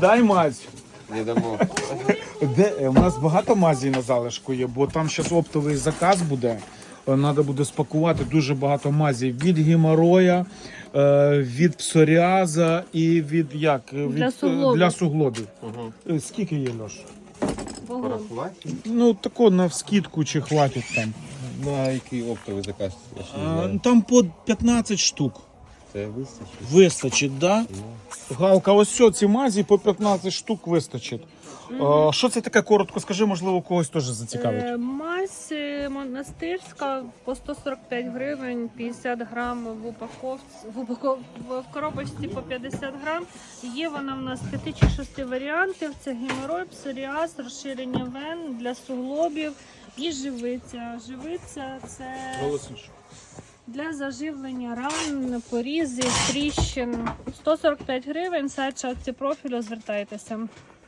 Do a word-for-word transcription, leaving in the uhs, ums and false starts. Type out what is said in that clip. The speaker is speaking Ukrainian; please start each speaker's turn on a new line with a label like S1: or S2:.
S1: дай мазь.
S2: Не дамо.
S1: Де, е, у нас багато мазі на залишку є, бо там зараз оптовий заказ буде. Треба буде спакувати дуже багато мазі від геморроя, е, від псоріаза і від як? Від,
S3: Для
S1: е,
S3: суглобів.
S1: для суглобів.
S2: Угу.
S1: Е, Скільки є, Льош?
S3: Вагон.
S2: Порахувати?
S1: Ну, тако на вскидку чи хватить там.
S2: На який оптовий заказ? Я ще не
S1: А,
S2: знаю.
S1: там по п'ятнадцять штук.
S2: Це вистачить?
S1: Вистачить, да? Галка, ось що, ці мазі по п'ятнадцять штук вистачить. А, що це таке, коротко скажи, можливо, когось теж зацікавить.
S3: Е, Мазь е, монастирська по сто сорок п'ять гривень, п'ятдесят грам в упаковці, в, упаков... в коробочці по п'ятдесят грам. Є вона в нас п'яти чи шести варіантів. Це геморой, псоріаз, розширення вен для суглобів і живиця. Живиця – це для заживлення ран, порізів, тріщин. сто сорок п'ять гривень, сайт шапці профілю, звертайтеся.